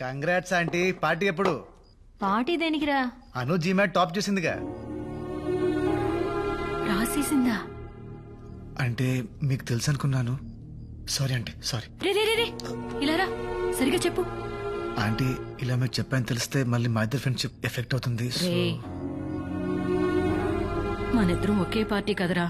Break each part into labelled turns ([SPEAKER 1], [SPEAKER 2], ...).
[SPEAKER 1] Congrats aunty. Party ఎప్పుడు?
[SPEAKER 2] Party దేనికిరా?
[SPEAKER 1] Anu GMAT top చేసిందిగా.
[SPEAKER 2] రాసేసిందా?
[SPEAKER 1] అంటే మీకు తెలుసు అనుకున్నాను. Sorry aunty, sorry.
[SPEAKER 2] రే రే రే రే, ఇలా రా, సరిగా చెప్పు.
[SPEAKER 1] ఆంటీ ఇలా మీకు చెప్పాను తెలిస్తే మళ్ళీ మా ఇద్దరు ఫ్రెండ్షిప్ ఎఫెక్ట్ అవుతుంది.
[SPEAKER 2] రే, మనిద్దరం ఒకే పార్టీ కదరా.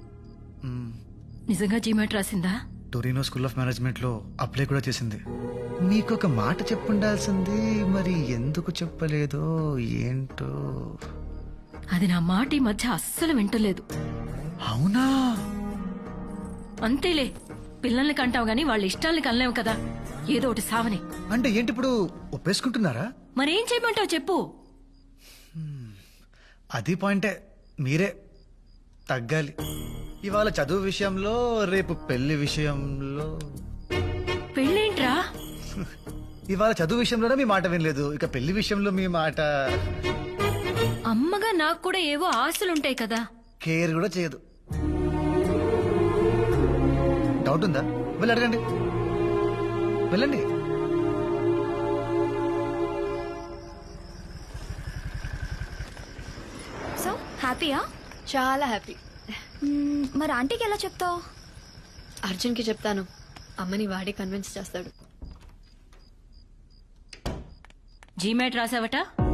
[SPEAKER 2] నిజంగా జీమాట్ రాసిందా?
[SPEAKER 1] టొరినో స్కూల్ ఆఫ్ మేనేజ్మెంట్ లో అప్లై కూడా చేసింది. మీకు ఒక మాట చెప్పుండాల్సింది, మరి ఎందుకు చెప్పలేదో ఏంటో.
[SPEAKER 2] అది నా మాట ఈ మధ్య అస్సలు వింటలేదు.
[SPEAKER 1] అవునా?
[SPEAKER 2] అంతేలే, పిల్లల్ని కంటావు గాని వాళ్ళ ఇష్టాల్ని కనలేవు కదా, ఏదో ఒకటి సావని.
[SPEAKER 1] అంటే ఏంటి ఇప్పుడు ఒప్పేసుకుంటున్నారా?
[SPEAKER 2] మరేం చేయమంటావు చెప్పు.
[SPEAKER 1] అది పాయింటే, మీరే తగ్గాలి. ఇవాళ చదువు విషయంలో, రేపు పెళ్లి విషయంలో.
[SPEAKER 2] పెళ్ళేంట్రా?
[SPEAKER 1] ఇవాళ చదువు విషయంలోనే మీ మాట వినలేదు, ఇక పెళ్లి విషయంలో మీ మాట.
[SPEAKER 2] అమ్మగా నాకు కూడా ఏవో ఆశలుంటాయి కదా.
[SPEAKER 1] కేర్ కూడా చేయదు. డౌట్ ఉందా? వెళ్ళి అడగండి, వెళ్ళండి.
[SPEAKER 3] సో హ్యాపీయా?
[SPEAKER 4] చాలా హ్యాపీ.
[SPEAKER 3] మరి ఆంటీకి ఎలా చెప్తావు?
[SPEAKER 4] అర్జున్కి చెప్తాను, అమ్మని వాడే కన్విన్స్ చేస్తాడు.
[SPEAKER 2] జీమాట్ రాసావట?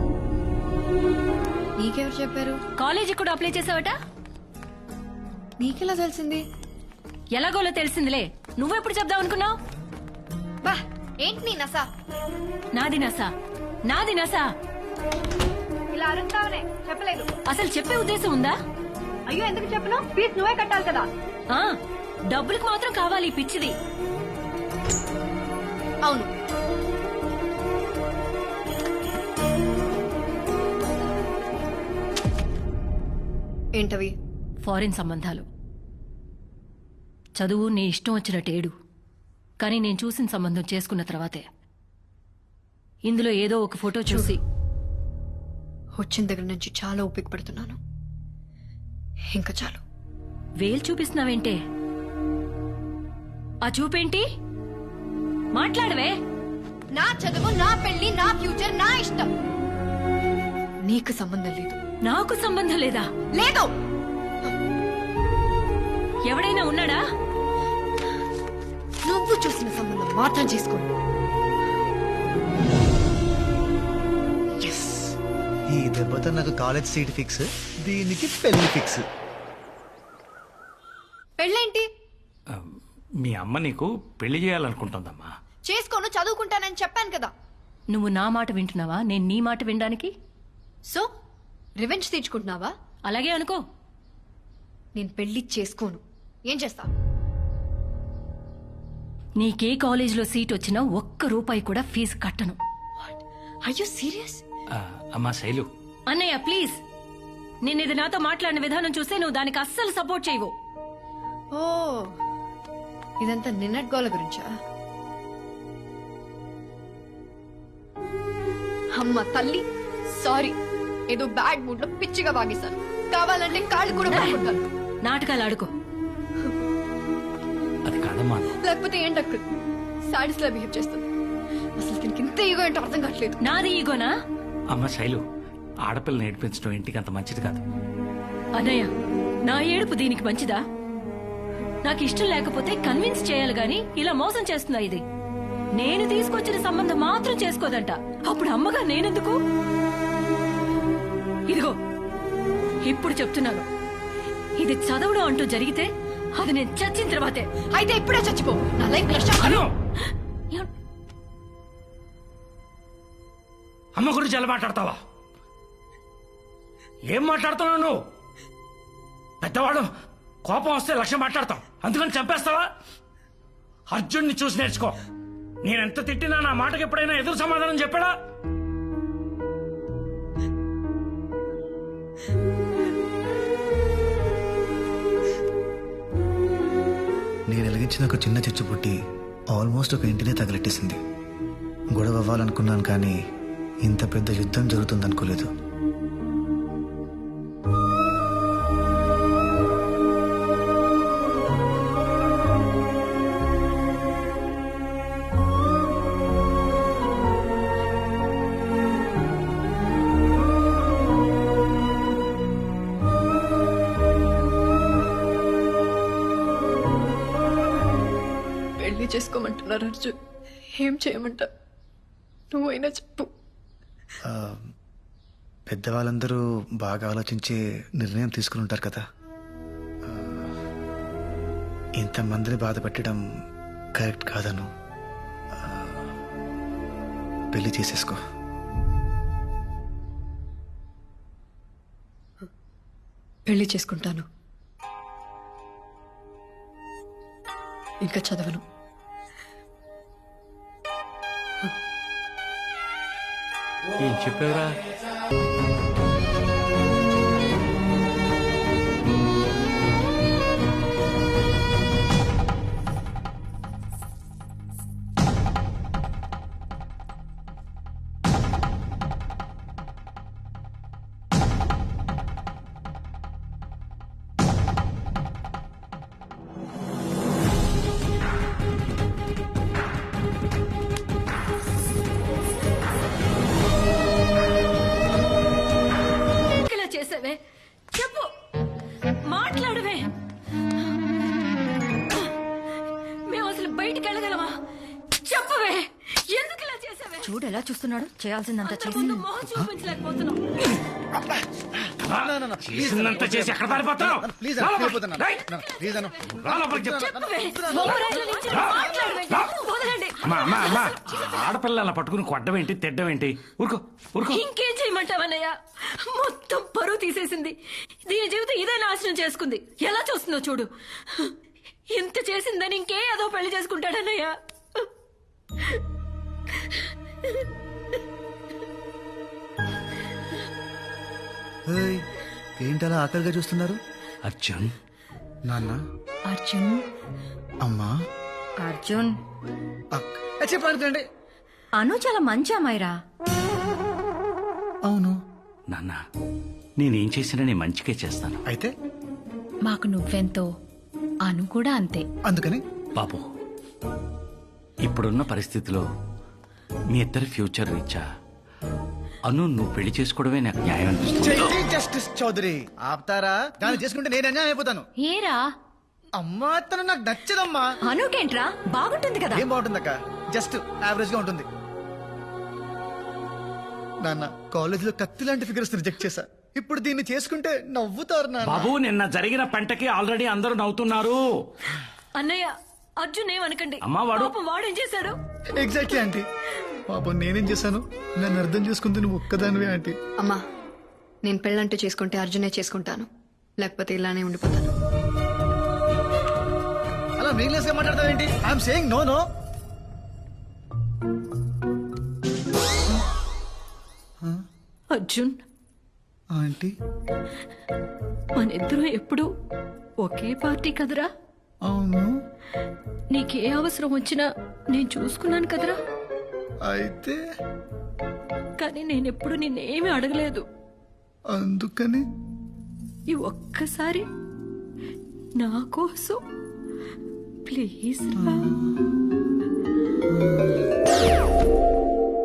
[SPEAKER 4] నీకెవరు చెప్పారు?
[SPEAKER 2] కాలేజీ కూడా అప్లై చేసావట?
[SPEAKER 4] నీకెలా తెలిసింది?
[SPEAKER 2] ఎలాగోలో తెలిసిందిలే, నువ్వెప్పుడు చెప్దాం అనుకున్నావు?
[SPEAKER 4] బా ఏంటి నీ నసా?
[SPEAKER 2] నాది నసా, నాది నసా.
[SPEAKER 4] ఇలా అరుస్తావనే చెప్పలేదు.
[SPEAKER 2] అసలు చెప్పే ఉద్దేశం ఉందా?
[SPEAKER 4] అయ్యో ఎందుకు చెప్పను? ఫీజు నువ్వే కట్టాలి కదా.
[SPEAKER 2] ఆ, డబ్బులకు మాత్రం కావాలి ఈ పిచ్చిది.
[SPEAKER 4] అవును, ఏంటవి?
[SPEAKER 2] ఫారిన్ సంబంధాలు. చదువు నీ ఇష్టం వచ్చినట్టేడు, కానీ నేను చూసిన సంబంధం చేసుకున్న తర్వాతే ఇందులో ఏదో ఒక ఫోటో చూసి
[SPEAKER 4] వచ్చిన దగ్గర నుంచి చాలా ఓపిక పడుతున్నాను. ఇంకా చాలు.
[SPEAKER 2] వేలు చూపిస్తున్నావేంటే? ఆ చూపేంటి? మాట్లాడవే.
[SPEAKER 4] నా చదువు, నా పెళ్లి, నా ఫ్యూచర్, నా ఇష్టం. నీకు సంబంధం లేదు.
[SPEAKER 2] నాకు సంబంధం లేదా?
[SPEAKER 4] లేదు.
[SPEAKER 2] ఎవడైనా ఉన్నాడా?
[SPEAKER 4] నువ్వు చూసిన సంబంధం మాత్రం చేసుకోండి.
[SPEAKER 1] ఈ దెబ్బతో నాకు కాలేజ్ సీట్ ఫిక్స్, దీనికి పెళ్లి ఫిక్స్.
[SPEAKER 4] పెళ్ళేంటి?
[SPEAKER 5] మీ అమ్మ నీకు పెళ్లి చేయాలనుకుంటుందమ్మా.
[SPEAKER 4] చేసుకోను, చదువుకుంటానని చెప్పాను కదా.
[SPEAKER 2] నువ్వు నా మాట వింటున్నావా, నేను నీ మాట వినడానికి?
[SPEAKER 4] సో రివెంజ్ తీర్చుకుంటున్నావా?
[SPEAKER 2] అలాగే అనుకో.
[SPEAKER 4] నేను పెళ్లి చేసుకోను. ఏం చేస్తా?
[SPEAKER 2] నీకే కాలేజీలో సీట్ వచ్చినా ఒక్క రూపాయి కూడా ఫీజు కట్టను.
[SPEAKER 4] Are you serious?
[SPEAKER 5] అమ్మా శైలు,
[SPEAKER 2] అన్నయ్య ప్లీజ్, నేనిది నాతో మాట్లాడిన విధానం చూస్తే నువ్వు దానికి అస్సలు సపోర్ట్ చేయవు.
[SPEAKER 4] ఓ, ఇదంతా నిన్నటి గోల గురించా? అమ్మ తల్లి, సారీ. ఏదో బ్యాడ్ మూడ్ లో పిచ్చిగా వాగేశాను. కావాలంటే కాళ్ళు కూడా పట్టుకుంటాను.
[SPEAKER 2] నాటకాలు ఆడుకో.
[SPEAKER 5] అది కాదమ్మా.
[SPEAKER 4] లేకపోతే ఏంటక్క సాడీస్ లా బిహేవ్ చేస్తుంది. అసలు దీనికి ఇంత ఈగో ఏంటో అర్థం కావట్లేదు.
[SPEAKER 2] నాది ఈగోనా?
[SPEAKER 5] అమ్మ శైలు, ఆడపిల్లని నేర్పించడం ఇంటికి అంత మంచిది కాదు.
[SPEAKER 2] అన్నయ్య, నా ఏడుపు దీనికి మంచిదా? నాకు ఇష్టం లేకపోతే కన్విన్స్ చేయాలి గాని ఇలా మోసం చేస్తుందా ఇది? నేను తీసుకొచ్చిన సంబంధం మాత్రం చేసుకోదంట. అప్పుడు అమ్మగా నేనెందుకు? ఇదిగో ఇప్పుడు చెప్తున్నాను, ఇది చదవడం అంటూ జరిగితే అది నేను చచ్చిన తర్వాతే.
[SPEAKER 4] అయితే ఇప్పుడే చచ్చిపో. నా లైఫ్
[SPEAKER 5] అమ్మ గురించి ఎలా మాట్లాడతావా? ఏం మాట్లాడుతున్నావు నువ్వు? పెద్దవాడు కోపం వస్తే లక్ష్యం మాట్లాడతాం, అందుకని చంపేస్తావా? అర్జున్ని చూసి నేర్చుకో. నేనెంత తిట్టినా నా మాటకి ఎప్పుడైనా ఎదురు సమాధానం చెప్పాడా?
[SPEAKER 1] నేను వెలిగించిన ఒక చిన్న చిచ్చు పుట్టి ఆల్మోస్ట్ ఒక ఇంటినే తగలెట్టేసింది. గొడవ అవ్వాలనుకున్నాను, కానీ ఇంత పెద్ద యుద్ధం జరుగుతుందనుకోలేదు.
[SPEAKER 4] పెళ్లి చేసుకోమంటున్నారు అర్జున్. ఏం చేయమంటావు? నువ్వైనా చెప్పు.
[SPEAKER 1] పెద్దవాళ్ళందరూ బాగా ఆలోచించే నిర్ణయం తీసుకుని ఉంటారు కదా. ఇంతమందిని బాధ పెట్టడం కరెక్ట్ కాదను. పెళ్లి చేసేసుకో.
[SPEAKER 4] పెళ్లి చేసుకుంటాను. ఇంకా చదవను.
[SPEAKER 5] ఏం చెప్పావురా?
[SPEAKER 2] ఇలా చేసావే చెప్పు, మాట్లాడవే. మేము అసలు బయటికి వెళ్ళగలమా? చెప్పవే, ఎందుకు ఇలా చేసావే?
[SPEAKER 3] చూడు ఎలా చూస్తున్నాడు, చేయాల్సిందంతా
[SPEAKER 2] అందరి
[SPEAKER 3] చేసి
[SPEAKER 2] ముందు మొహం చూపించలేకపోతున్నాం.
[SPEAKER 5] చేసిందంతా చేసి ఎక్కడ పారిపోతావు?
[SPEAKER 6] ప్లీజ్
[SPEAKER 5] రా లోపలికి.
[SPEAKER 6] వెళ్ళిపోతున్నా.
[SPEAKER 5] రేయ్,
[SPEAKER 6] ప్లీజ్ అన్న
[SPEAKER 5] రా లోపలికి చెప్పు.
[SPEAKER 2] చెప్పవే, మొహరాయిల నుంచి మాట్లాడవే. వదలండి.
[SPEAKER 5] అమ్మా ఆడపిల్ల అలా పట్టుకుని కొట్టడం ఏంటి, తిట్టడం ఏంటి? ఊరుకో ఊరుకో.
[SPEAKER 2] ఇంకేం చేయమంటావన్నయ్య? మొత్తం పరువు తీసేసింది. దీని జీవితం ఇదే నాశనం చేసుకుంది. ఎలా చూస్తుందో చూడు. ఇంత చేసిందని ఇంకే ఏదో పెళ్లి చేసుకుంటాడన్నయ్య.
[SPEAKER 1] ఏయ్, ఏంటలా ఆకలిగా చూస్తున్నారు?
[SPEAKER 5] అర్జున్,
[SPEAKER 1] నాన్న,
[SPEAKER 3] అర్జున్
[SPEAKER 1] అమ్మా,
[SPEAKER 3] అర్జున్
[SPEAKER 6] చెప్పండి.
[SPEAKER 3] అను చాలా మంచి అమ్మాయిరా.
[SPEAKER 1] అవును.
[SPEAKER 5] నాన్న నేనేం చేసినా నేను మంచిగా చేస్తాను.
[SPEAKER 1] అయితే
[SPEAKER 3] మాకు నువ్వెంతో అను కూడా అంతే.
[SPEAKER 1] అందుకని
[SPEAKER 5] బాబు, ఇప్పుడున్న పరిస్థితిలో మీ ఇద్దరి ఫ్యూచర్ రీచా అను నువ్వు పెళ్లి చేసుకోవడమే నాకు న్యాయం అనిపిస్తుంది.
[SPEAKER 6] జస్టిస్ చౌదరి ఆపుతారా? దాన్ని చేసుకుంటే నేను అన్యాయం అయిపోతాను.
[SPEAKER 3] ఏరా
[SPEAKER 6] అమ్మా తను నాకు నచ్చదమ్మా.
[SPEAKER 3] అనుకేంట్రా, బాగుంటుంది కదా.
[SPEAKER 6] ఏం బాగుంటుందక్క? జస్ట్ యావరేజ్ గా ఉంటుంది. నాన్న కాలేజ్ లో కత్తి లాంటి ఫిగర్స్ రిజెక్ట్ చేశా. ఇప్పుడు దీన్ని చేసుకుంటే నవ్వుతారు నాన్న.
[SPEAKER 5] బాబు, నిన్న జరిగిన పంటకి ఆల్రెడీ అందరూ నవ్వుతున్నారు.
[SPEAKER 2] అన్నయ్య, అర్జున్ ఏమనకండి.
[SPEAKER 5] అమ్మా, వాడు-
[SPEAKER 2] పాపం వాడేం చేశాడు?
[SPEAKER 6] Exactly aunty. పాపం నేనేం చేశాను? నన్ను అర్థం చేసుకుంది నువ్వు ఒక్కదానివే ఆంటీ.
[SPEAKER 4] అమ్మా, నేను పెళ్ళంటూ చేసుకుంటే అర్జునే చేసుకుంటాను, లేకపోతే ఇలానే ఉండిపోతాను.
[SPEAKER 6] అలా మీనింగ్లెస్ గా మాట్లాడతావేంటి? I'm saying no no.
[SPEAKER 2] Arjun,
[SPEAKER 6] aunty
[SPEAKER 2] మనిద్దరం ఎప్పుడు ఒకే పార్టీ కదరా.
[SPEAKER 6] అవును.
[SPEAKER 2] నీకే అవసరం వచ్చినా నేను చూసుకున్నాను కదరా.
[SPEAKER 6] అయితే
[SPEAKER 2] కానీ నేనెప్పుడు నిన్నేమీ అడగలేదు.
[SPEAKER 6] అందుకని
[SPEAKER 2] ఈ ఒక్కసారి నా కోసం ప్లీజ్ రా.